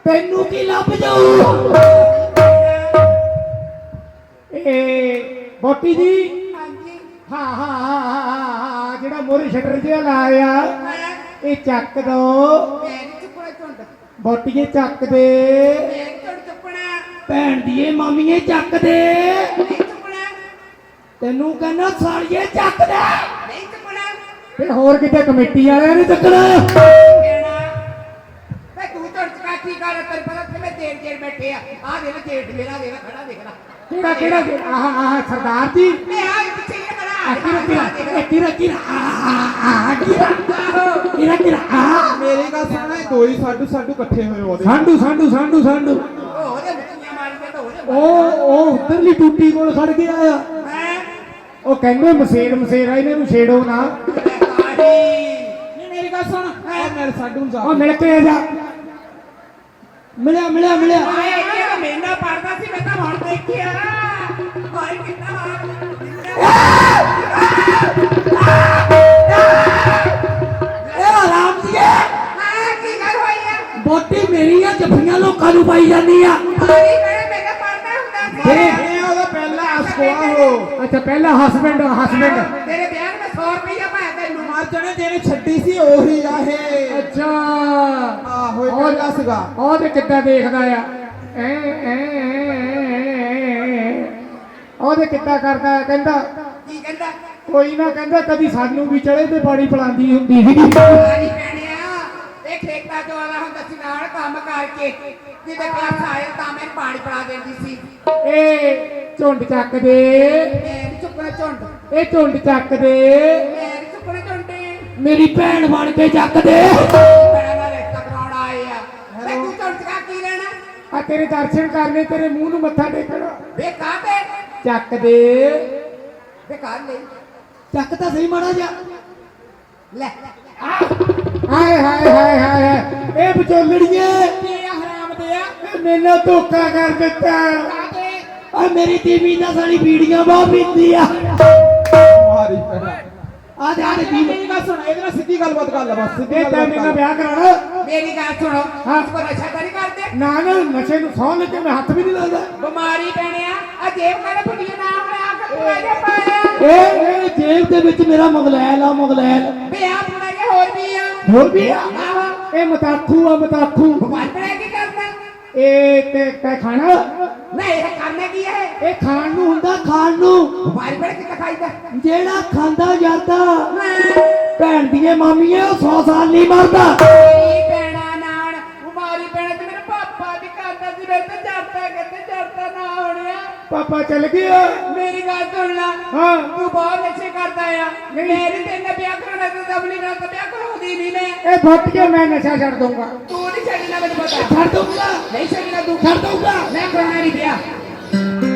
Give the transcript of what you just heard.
ਤੈਨੂੰ ਕੀ ਲੱਭ ਜਾਊ ਇਹ ਬੋਟੀ ਜੀ ਹਾਂ ਜਿਹੜਾ ਮੋਰੇ ਸ਼ਟਰ ਜਿਹਾ ਲਾਇਆ ਇਹ ਚੱਕ ਦੋ ਬੋਟੀਏ ਚੱਕ ਦੇ ਭੈਣ ਦੀਏ ਮਾਮੀਏ ਚੱਕ ਦੇ ਤੈਨੂੰ ਕਹਿੰਦਾ ਸਾਲੀਏ ਚੱਕ ਦੇ ਤੇ ਹੋਰ ਕਿਤੇ ਕਮੇਟੀ ਵਾਲਿਆਂ ਨੇ ਚੱਕਣਾ ਬੈਠੇ ਆ ਦੇ ਜੇਠ ਮੇਰਾ ਦੇ ਖੜਾ ਦੇਖਣਾ ਕਿਹੜਾ ਆਹ ਸਰਦਾਰ ਜੀ ਮੇਰੀ ਗੱਲ ਸੁਣ ਦੋ ਹੀ ਸਾਡੂ ਇਕੱਠੇ ਹੋਏ ਉਹਦੇ ਸਾਂਢੂ ਉਹ ਉਧਰਲੀ ਟੂਟੀ ਕੋਲ ਖੜ ਗਿਆ ਆ ਉਹ ਕਹਿੰਦੇ ਮਸੇਰਾ ਇਹਨਾਂ ਨੂੰ ਛੇੜੋ ਨਾ ਮੇਰੀ ਗੱਲ ਸੁਣ ਮੇਰੇ ਸਾਡੂ ਨੂੰ ਜਾ ਉਹ ਮਿਲ ਕੇ ਆ ਜਾ ਮਿਲਿਆ ਮਹੀਨਾ ਪੜਦਾ ਸੀ ਮੈਂ ਤਾਂ ਹੁਣ ਦੇਖਿਆ ਭਾਈ ਕਿੰਨਾ ਆਰਾਮ ਜੀ ਕੀ ਗੱਲ ਹੋਈ ਆ ਬੋਟੀ ਮੇਰੀ ਆ ਜੱਫੀਆਂ ਲੋਕਾਂ ਨੂੰ ਪਾਈ ਜਾਂਦੀ ਆ ਭਾਈ ਮੈਂ ਤਾਂ ਪੜਦਾ ਹੁੰਦਾ ਸੀ ਇਹ ਉਹਦਾ ਪਹਿਲਾ ਅਸਕੋਆ ਹੋ ਅੱਛਾ ਪਹਿਲਾ ਹਸਬੈਂਡ ਤੇਰੇ ਵਿਆਹ ਨੂੰ 100 ਰੁਪਇਆ ਪਾਇਆ ਤੈਨੂੰ ਮਾਰ ਜਣੇ ਜਿਹਨੇ ਛੱਡੀ ਸੀ ਉਹੀ ਆ ਇਹ ਅੱਛਾ ਆਹੋ ਇਹ ਪਹਿਲਾ ਸੀਗਾ ਉਹ ਤੇ ਕਿੱਦਾਂ ਦੇਖਦਾ ਆ ਉਹਦੇ ਕਿੱਦਾਂ ਕਰਦਾ ਕਹਿੰਦਾ ਕੀ ਕਹਿੰਦਾ ਕੋਈ ਨਾ ਕਹਿੰਦਾ ਕਦੀ ਸਾਨੂੰ ਵੀ ਚੜੇ ਤੇ ਪਾਣੀ ਪਿਲਾਉਂਦੀ ਹੁੰਦੀ ਸੀ ਪਾਣੀ ਪੈਣਿਆ ਇਹ ਠੇਕਾ ਜੋ ਆਲਾ ਹੁੰਦਾ ਸੀ ਨਾਲ ਕੰਮ ਕਰਕੇ ਜਿਹਦੇ ਪਿਆਸ ਆਏ ਤਾਂ ਮੈਂ ਪਾਣੀ ਪਿਲਾ ਦਿੰਦੀ ਸੀ ਇਹ ਝੁੰਡ ਚੱਕ ਦੇ ਮੈਂ ਨੀ ਚੁੱਕਣਾ ਝੁੰਡ ਇਹ ਝੁੰਡ ਚੱਕ ਦੇ ਮੈਂ ਨੀ ਚੁੱਕਣਾ ਝੁੰਡੇ ਮੇਰੀ ਭੈਣ ਬਣ ਕੇ ਚੱਕ ਦੇ ਬੜਾ ਦਾ ਰਿਸ਼ਤਾ ਕਰਾਉਣ ਆਏ ਆ ਤੇ ਤੂੰ ਝੁੰਡ ਚਕਾ ਕੀ ਲੈਣਾ ਆ ਤੇਰੇ ਦਰਸ਼ਨ ਕਰਨੇ ਤੇਰੇ ਮੂੰਹ ਨੂੰ ਮੱਥਾ ਟੇਕਣਾ ਵੇ ਕਾਤੇ ਚੱਕ ਦੇ ਵੇ ਕਰ ਲੈ ਚੱਕ ਤਾਂ ਸਹੀ ਮਾੜਾ ਜਾ ਲੈ ਹਾਏ ਇਹ ਵਿਚੋਲੜੀਏ ਕੀ ਹਰਾਮ ਦੇ ਆ ਮੈਨੂੰ ਧੋਖਾ ਕਰ ਦਿੱਤਾ ਕਾਤੇ ਆ ਮੇਰੀ ਟੀਵੀ ਨਾਲ ਸਾਡੀ ਵੀਡੀਓ ਬਹੁਤ ਪੀਂਦੀ ਆ ਮਾਰੀ ਪਹਿਲਾ ਆ ਜਾ ਮੇਰੀ ਗੱਲ ਸੁਣ ਇਹਦੇ ਨਾਲ ਸਿੱਧੀ ਗੱਲਬਾਤ ਕਰ ਲੈ ਬਸ ਸਿੱਧੀ ਇਹ ਤਾਂ ਮੇਰਾ ਵਿਆਹ ਕਰਾਣਾ ਮੇਰੀ ਗੱਲ ਸੁਣੋ ਹਾਂ। ਕੋ ਨਸ਼ਾ ਤਾਂ ਨਹੀਂ ਕਰਦੇ ਨਾ ਨਸ਼ੇ ਨੂੰ ਸੌਂ ਲੱਗੇ ਮੈਂ ਹੱਥ ਵੀ ਨਹੀਂ ਲਾਉਂਦਾ ਬਿਮਾਰੀ ਪੈਣਿਆ ਆ ਜੇਬ ਕਾਲੇ ਫੁੱਟੀਆਂ ਨਾ ਹੋਇਆ ਕਿ ਪੁਰਾਣੇ ਪਾਇਆ ਇਹ ਜੇਬ ਦੇ ਵਿੱਚ ਮੇਰਾ ਮੁਗਲੈਲ ਆ ਮੁਗਲੈਲ ਵੇ ਆ ਪੁਰਾਣੇ ਹੋਰ ਵੀ ਆ ਹੋਰ ਵੀ ਆ ਆਹੋ ਇਹ ਮਤਾਖੂ ਆ ਮਤਾਖੂ ਬਿਮਾਰ ਪੜਿਆ ਕੀ ਕਰਦਾ ਇਹ ਤੇ ਖਾਣਾ ਨਹੀਂ ਇਹ ਕਰਨਾ ਕੀ ਹੈ ਇਹ ਖਾਣ ਨੂੰ ਹੁੰਦਾ ਖਾਣ ਨੂੰ ਬਿਮਾਰ ਪੜਿਆ ਕੀ ਖਾਈਦਾ ਜਿਹੜਾ ਖਾਂਦਾ ਜਾਂਦਾ ਭੈਣ ਦੀਏ ਮਾਮੀਏ ਉਹ 100 ਸਾਲ ਨਹੀਂ ਮਰਦਾ ਮੇਰੀ ਭੈਣਾ ਨਾਨ ਬਿਮਾਰੀ ਪੈਣਾ ਤੇ ਮੇਰੇ ਪਾਪਾ ਵੀ ਕਰਦਾ ਸੀ ਮੇਰੇ ਤੇ ਚੜਦਾ ਨਾ ਹੋਣਿਆ ਪਾਪਾ ਚੱਲ ਗਿਆ ਮੇਰੀ ਗੱਲ ਸੁਣ ਲੈ ਹਾਂ ਤੂੰ ਬਹੁਤ ਨਸ਼ੇ ਕਰਦਾ ਆ ਮੇਰੇ ਤੇ ਨਾ ਵਿਆਹ ਕਰਾਉਣਾ ਤੇ ਦਬਲੀ ਨਾਲ ਵਿਆਹ ਕਰਾਉਂਦੀ ਨਹੀਂ ਮੈਂ ਇਹ ਫੁੱਟ ਕੇ ਮੈਂ ਨਸ਼ਾ ਛੱਡ ਦੂੰਗਾ ਤੂੰ ਨਹੀਂ ਛੱਡਣਾ ਮੈਨੂੰ ਪਤਾ ਛੱਡ ਦੂੰਗਾ ਨਹੀਂ ਛੱਡਣਾ ਤੂੰ ਛੱਡ ਦੂੰਗਾ ਮੈਂ ਕਰਾਉਣਾ ਨਹੀਂ ਵਿਆਹ